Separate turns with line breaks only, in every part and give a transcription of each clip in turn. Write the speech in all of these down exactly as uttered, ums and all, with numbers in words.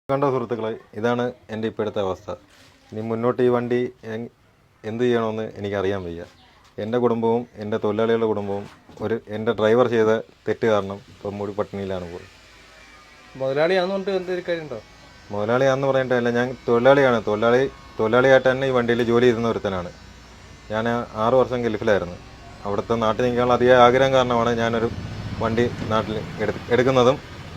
കണ്ടോ സുഹൃത്തുക്കളെ, ഇതാണ് എൻ്റെ ഇപ്പോഴത്തെ അവസ്ഥ. ഇനി മുന്നോട്ട് ഈ വണ്ടി എന്ത് ചെയ്യണമെന്ന് എനിക്കറിയാൻ വയ്യ. എൻ്റെ കുടുംബവും എൻ്റെ തൊഴിലാളികളുടെ കുടുംബവും ഒരു എൻ്റെ ഡ്രൈവർ ചെയ്ത തെറ്റ് കാരണം ഇപ്പം മൂടി പട്ടിണിയിലാണ് പോയി.
മുതലാളിയാണെന്നുകൊണ്ട് എന്തൊരു കാര്യമുണ്ടോ?
മുതലാളിയാണെന്ന് പറയേണ്ടതല്ല, ഞാൻ തൊഴിലാളിയാണ്. തൊഴിലാളി തൊഴിലാളിയായിട്ട് തന്നെ ഈ വണ്ടിയിൽ ജോലി ചെയ്യുന്ന ഒരുത്തനാണ്. ഞാൻ ആറ് വർഷം ഗൾഫിലായിരുന്നു. അവിടുത്തെ നാട്ടിൽ നിൽക്കാനുള്ള അധിക ആഗ്രഹം കാരണമാണ് ഞാനൊരു വണ്ടി നാട്ടിൽ എടു എടുക്കുന്നതും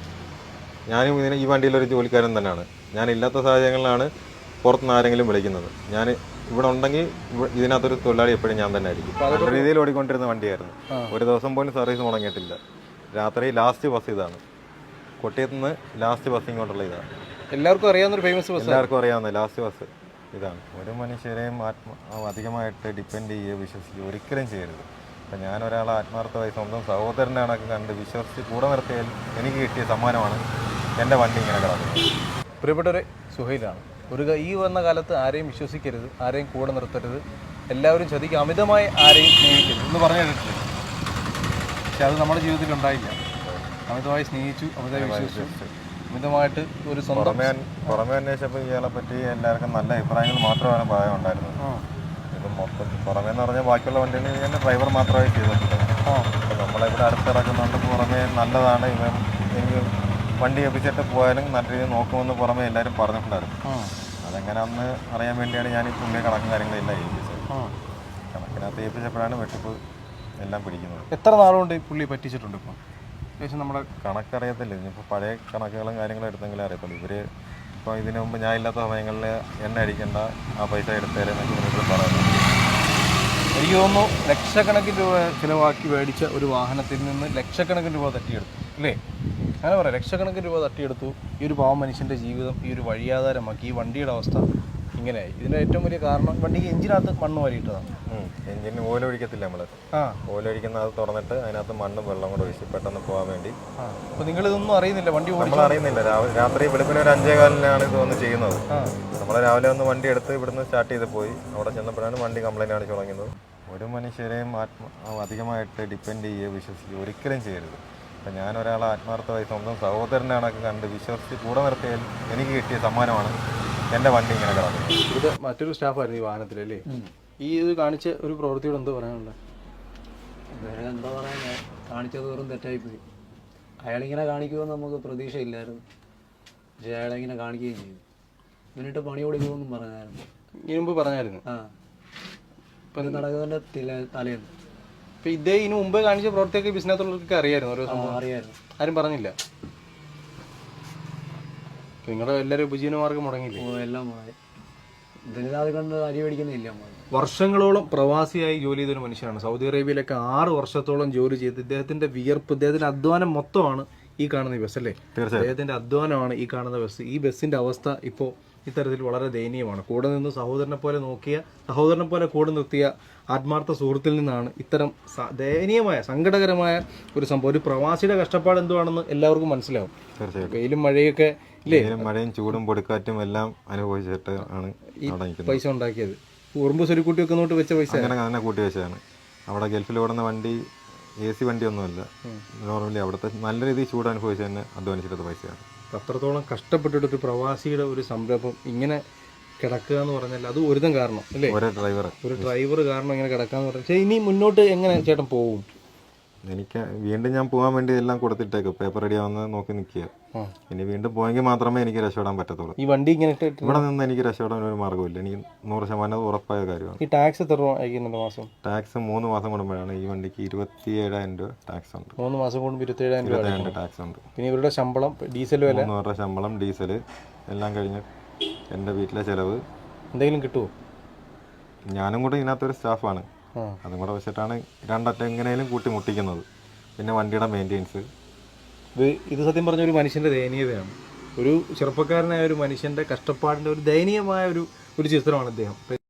ഞാനും ഇതിന് ഈ വണ്ടിയിലൊരു ജോലിക്കാരൻ തന്നെയാണ്. ഞാനില്ലാത്ത സാഹചര്യങ്ങളിലാണ് പുറത്തുനിന്ന് ആരെങ്കിലും വിളിക്കുന്നത്. ഞാൻ ഇവിടെ ഉണ്ടെങ്കിൽ ഇതിനകത്തൊരു തൊഴിലാളി എപ്പോഴും ഞാൻ തന്നെ ആയിരിക്കും. നല്ല രീതിയിൽ ഓടിക്കൊണ്ടിരുന്ന വണ്ടിയായിരുന്നു. ഒരു ദിവസം പോലും സർവീസ് മുടങ്ങിയിട്ടില്ല. രാത്രി ലാസ്റ്റ് ബസ് ഇതാണ്. കൊട്ടിയത്ത് നിന്ന് ലാസ്റ്റ് ബസ് ഇങ്ങോട്ടുള്ള ഇതാണ്.
എല്ലാവർക്കും അറിയാവുന്നൊരു ഫേമസ് ബസ്,
എല്ലാവർക്കും അറിയാവുന്ന ലാസ്റ്റ് ബസ് ഇതാണ്. ഒരു മനുഷ്യരെയും ആത്മ അധികമായിട്ട് ഡിപ്പെൻഡ് ചെയ്യുകയോ വിശ്വസിക്കുകയോ ഒരിക്കലും ചെയ്യരുത്. അപ്പം ഞാൻ ഒരാളെ ആത്മാർത്ഥമായി സ്വന്തം സഹോദരൻ്റെ കണക്ക് കണ്ട് വിശ്വസിച്ച് കൂടെ നിർത്തിയാൽ എനിക്ക് കിട്ടിയ സമ്മാനമാണ് എൻ്റെ വണ്ടി ഇങ്ങനെ കിടക്കുന്നത്.
പ്രിയപ്പെട്ടവരെ, സുഹൈലാണ്. ഒരു ഈ വന്ന കാലത്ത് ആരെയും വിശ്വസിക്കരുത്, ആരെയും കൂടെ നിർത്തരുത്, എല്ലാവരും ചതിക്ക് അമിതമായി ആരെയും സ്നേഹിക്കരുത് എന്ന് പറഞ്ഞു കേട്ടിട്ടില്ല. പക്ഷെ അത് നമ്മുടെ ജീവിതത്തിൽ ഉണ്ടായില്ല. അമിതമായി സ്നേഹിച്ചു, അമിതമായി വിശ്വസിച്ചു, അമിതമായിട്ട് ഒരു സ്വന്തം
പുറമേ പുറമേ അന്വേഷിച്ചപ്പോൾ ഇയാളെ പറ്റി എല്ലാവർക്കും നല്ല അഭിപ്രായങ്ങൾ മാത്രമാണ് പറയാൻ ഉണ്ടായിരുന്നത്. ഇത് മൊത്തം പുറമേ എന്ന് പറഞ്ഞാൽ ബാക്കിയുള്ള വണ്ടികളിൽ ഞാൻ ഡ്രൈവർ മാത്രമായി ചെയ്തിട്ടുണ്ട്. അപ്പോൾ നമ്മളിവിടെ അടുത്തിറക്കുന്നുണ്ട്. പുറമേ നല്ലതാണ്, ഇവൻ എനിക്ക് വണ്ടി ഏൽപ്പിച്ചിട്ട് പോയാലും നല്ല രീതിയിൽ നോക്കുമെന്ന് പുറമേ എല്ലാവരും പറഞ്ഞിട്ടുണ്ടായിരുന്നു. അതെങ്ങനെ അന്ന് അറിയാൻ വേണ്ടിയാണ് ഞാൻ ഈ പുള്ളിയെ കണക്കും കാര്യങ്ങളെല്ലാം ഏൽപ്പിച്ചത്. കണക്കിനകത്ത് ഏൽപ്പിച്ചപ്പോഴാണ് വെട്ടിപ്പ് എല്ലാം പിടിക്കുന്നത്.
എത്ര നാളുകൊണ്ട് ഈ പുള്ളി പറ്റിച്ചിട്ടുണ്ട്? ഇപ്പോൾ ഏകദേശം നമ്മുടെ
കണക്കറിയത്തില്ല. ഇനിയിപ്പോൾ പഴയ കണക്കുകളും കാര്യങ്ങളും എടുത്തെങ്കിലും അറിയത്തുള്ളൂ. ഇവർ ഇപ്പോൾ ഇതിനു മുമ്പ് ഞാൻ ഇല്ലാത്ത സമയങ്ങളിൽ എണ്ണ അടിക്കേണ്ട, ആ പൈസ എടുത്തേരെന്നൊക്കെ ഇവർ പറയുന്നു.
എനിക്ക് തോന്നുന്നു ലക്ഷക്കണക്കിന് രൂപ ചിലവാക്കി മേടിച്ച ഒരു വാഹനത്തിൽ നിന്ന് ലക്ഷക്കണക്കിന് രൂപ തട്ടിയെടുത്തു അല്ലേ? അങ്ങനെ പറയാം, ലക്ഷക്കണക്കിന് രൂപ തട്ടിയെടുത്തു. ഈ ഒരു പാവം മനുഷ്യൻ്റെ ജീവിതം ഈ ഒരു വഴിയാധാരമാക്കി. ഈ വണ്ടിയുടെ അവസ്ഥ ഇങ്ങനെയായി. ഇതിൻ്റെ ഏറ്റവും വലിയ കാരണം വണ്ടിക്ക് എഞ്ചിനകത്ത് മണ്ണ് വാരിയിട്ടതാണ്.
എഞ്ചിന് ഓയിൽ ഒഴിക്കത്തില്ല നമ്മൾ. ആ ഓയിൽ ഒഴിക്കുന്ന അത് തുറന്നിട്ട് അതിനകത്ത് മണ്ണും വെള്ളം കൂടെ ഒഴിച്ച് പെട്ടെന്ന് പോകാൻ വേണ്ടി.
അപ്പോൾ നിങ്ങളിതൊന്നും അറിയുന്നില്ല, വണ്ടി
നമ്മൾ അറിയുന്നില്ല. രാവിലെ രാത്രി വെളുപ്പിന് ഒരു അഞ്ചേ കാലിനാണ് ഇതൊന്ന് ചെയ്യുന്നത്. നമ്മൾ രാവിലെ ഒന്ന് വണ്ടി എടുത്ത് ഇവിടുന്ന് സ്റ്റാർട്ട് ചെയ്ത് പോയി. അവിടെ ചെന്നപ്പോഴാണ് വണ്ടി കംപ്ലൈൻറ്റ് ആണ് തുടങ്ങിയത്. ഒരു മനുഷ്യരെയും ആത്മ അധികമായിട്ട് ഡിപ്പെൻഡ് ചെയ്യുകയോ വിശ്വസിക്കുകയോ ഒരിക്കലും ചെയ്യരുത്. അപ്പം ഞാൻ ഒരാളെ ആത്മാർത്ഥമായി സ്വന്തം സഹോദരൻ്റെ കണക്ക് കണ്ട് വിശ്വസിച്ച് കൂടെ നിർത്തിയാൽ എനിക്ക് കിട്ടിയ സമ്മാനമാണ് എൻ്റെ വണ്ടി ഇങ്ങനെ കിടക്കുന്നത്.
ഇത് മറ്റൊരു സ്റ്റാഫായിരുന്നു ഈ വാഹനത്തിലല്ലേ? ഈ ഇത് കാണിച്ച ഒരു പ്രവൃത്തിയോട് എന്ത് പറയാനുള്ളത്?
വേറെ എന്താ പറയാൻ, കാണിച്ചത് വെറും തെറ്റായിപ്പോയി. അയാളിങ്ങനെ കാണിക്കുമെന്ന് നമുക്ക് പ്രതീക്ഷയില്ലായിരുന്നു. പക്ഷേ അയാളിങ്ങനെ കാണിക്കുകയും ചെയ്തു. എന്നിട്ട് പണി കൊടുക്കുമെന്നും പറഞ്ഞായിരുന്നു.
ഇതിനു മുമ്പ് പറഞ്ഞായിരുന്നു.
ആ ഇപ്പം നടക്കുന്നതിൻ്റെ തലേന്ന്.
ഇപ്പം ഇതേ ഇതിനു മുമ്പ് കാണിച്ച പ്രവൃത്തിയൊക്കെ ബിസിനസ്സുള്ളവർക്കൊക്കെ അറിയായിരുന്നു. ഓരോ സംഭവം
അറിയായിരുന്നു.
ആരും പറഞ്ഞില്ല. നിങ്ങളുടെ എല്ലാവരും ഉപജീവനമാർഗം മുടങ്ങിയില്ലേ?
ഓ എല്ലാം മുടങ്ങി. ഇതിന് അത് കണ്ട് അരി മേടിക്കുന്നില്ല.
വർഷങ്ങളോളം പ്രവാസിയായി ജോലി ചെയ്തൊരു മനുഷ്യനാണ്. സൗദി അറേബ്യയിലൊക്കെ ആറ് വർഷത്തോളം ജോലി ചെയ്ത് ഇദ്ദേഹത്തിന്റെ വിയർപ്പ്, ഇദ്ദേഹത്തിന്റെ അധ്വാനം മൊത്തമാണ് ഈ കാണുന്ന ഈ ബസ് അല്ലേ? അദ്ദേഹത്തിന്റെ അധ്വാനമാണ് ഈ കാണുന്ന ബസ്. ഈ ബസ്സിന്റെ അവസ്ഥ ഇപ്പോൾ ഇത്തരത്തിൽ വളരെ ദയനീയമാണ്. കൂടെ നിന്ന് സഹോദരനെ പോലെ നോക്കിയ, സഹോദരനെ പോലെ കൂടെ നിർത്തിയ ആത്മാർത്ഥ സുഹൃത്തിൽ നിന്നാണ് ഇത്തരം ദയനീയമായ സങ്കടകരമായ ഒരു സംഭവം. ഒരു പ്രവാസിയുടെ കഷ്ടപ്പാട് എന്തുവാണെന്ന് എല്ലാവർക്കും മനസ്സിലാവും. വെയിലും മഴയൊക്കെ ഇല്ലേ?
മഴയും ചൂടും പൊടിക്കാറ്റും എല്ലാം അനുഭവിച്ചിട്ട് ആണ്
ഈ പൈസ ഉണ്ടാക്കിയത്. ഉറുമ്പ് സ്വരുക്കൂട്ടി വെക്കുന്നോട്ട് വെച്ച പൈസ
അങ്ങനെ അങ്ങനെ കൂട്ടി വെച്ചതാണ്. അവിടെ ഗൾഫിൽ ഓടുന്ന വണ്ടി എ സി വണ്ടിയൊന്നുമല്ല. നോർമലി അവിടുത്തെ നല്ല രീതിയിൽ ചൂട് അനുഭവിച്ച് തന്നെ അധ്വാനിച്ചിട്ടത് പൈസയാണ്.
അത്രത്തോളം കഷ്ടപ്പെട്ടിട്ടൊരു പ്രവാസിയുടെ ഒരു സംരംഭം ഇങ്ങനെ കിടക്കുക എന്ന് പറഞ്ഞാൽ അത് ഒരുതം കാരണം അല്ലേ?
ഒരു ഡ്രൈവർ
ഒരു ഡ്രൈവർ കാരണം ഇങ്ങനെ കിടക്കാന്ന് പറഞ്ഞാൽ. പക്ഷേ ഇനി മുന്നോട്ട് എങ്ങനെ ചേട്ടൻ പോകും?
എനിക്ക് വീണ്ടും ഞാൻ പോകാൻ വേണ്ടി എല്ലാം കൊടുത്തിട്ടേക്കും. പേപ്പർ റെഡി ആവുന്ന നോക്കി നിൽക്കുക. ഇനി വീണ്ടും പോയെങ്കിൽ മാത്രമേ എനിക്ക് രക്ഷപ്പെടാൻ പറ്റത്തുള്ളൂ.
ഈ വണ്ടി ഇങ്ങനെ
ഇവിടെ നിന്ന് എനിക്ക് രക്ഷപ്പെടാൻ ഒരു മാർഗ്ഗമില്ല. എനിക്ക് നൂറ് ശതമാനം ഉറപ്പായ കാര്യമാണ്.
ഈ ടാക്സ് എത്ര രൂപ അയക്കുന്നുണ്ട് മാസം?
ടാക്സ് മൂന്ന് മാസം കൂടുമ്പോഴാണ്. ഈ വണ്ടിക്ക് ഇരുപത്തി ഏഴായിരം രൂപ ടാക്സ് ഉണ്ട്.
മൂന്ന് മാസം കൂടുമ്പോൾ ഇരുപത്തി ഏഴായിരം രൂപ
ടാക്സ് ഉണ്ട്.
പിന്നെ ഇവരുടെ ശമ്പളം, ഡീസൽ വില,
മൂന്ന് ശമ്പളം, ഡീസൽ എല്ലാം കഴിഞ്ഞ് എൻ്റെ വീട്ടിലെ ചിലവ്
എന്തെങ്കിലും കിട്ടുമോ?
ഞാനും കൂടെ ഇതിനകത്തൊരു സ്റ്റാഫാണ്. അതും കൂടെ വെച്ചിട്ടാണ് രണ്ടറ്റം എങ്ങനെയും കൂട്ടി മുട്ടിക്കുന്നത്. പിന്നെ വണ്ടിയുടെ മെയിൻ്റെനൻസ്.
ഇത് ഇത് സത്യം പറഞ്ഞ ഒരു മനുഷ്യൻ്റെ ദയനീയതയാണ്. ഒരു ചെറുപ്പക്കാരനായ ഒരു മനുഷ്യൻ്റെ കഷ്ടപ്പാടിൻ്റെ ഒരു ദയനീയമായ ഒരു ഒരു ചിത്രമാണ് അദ്ദേഹം.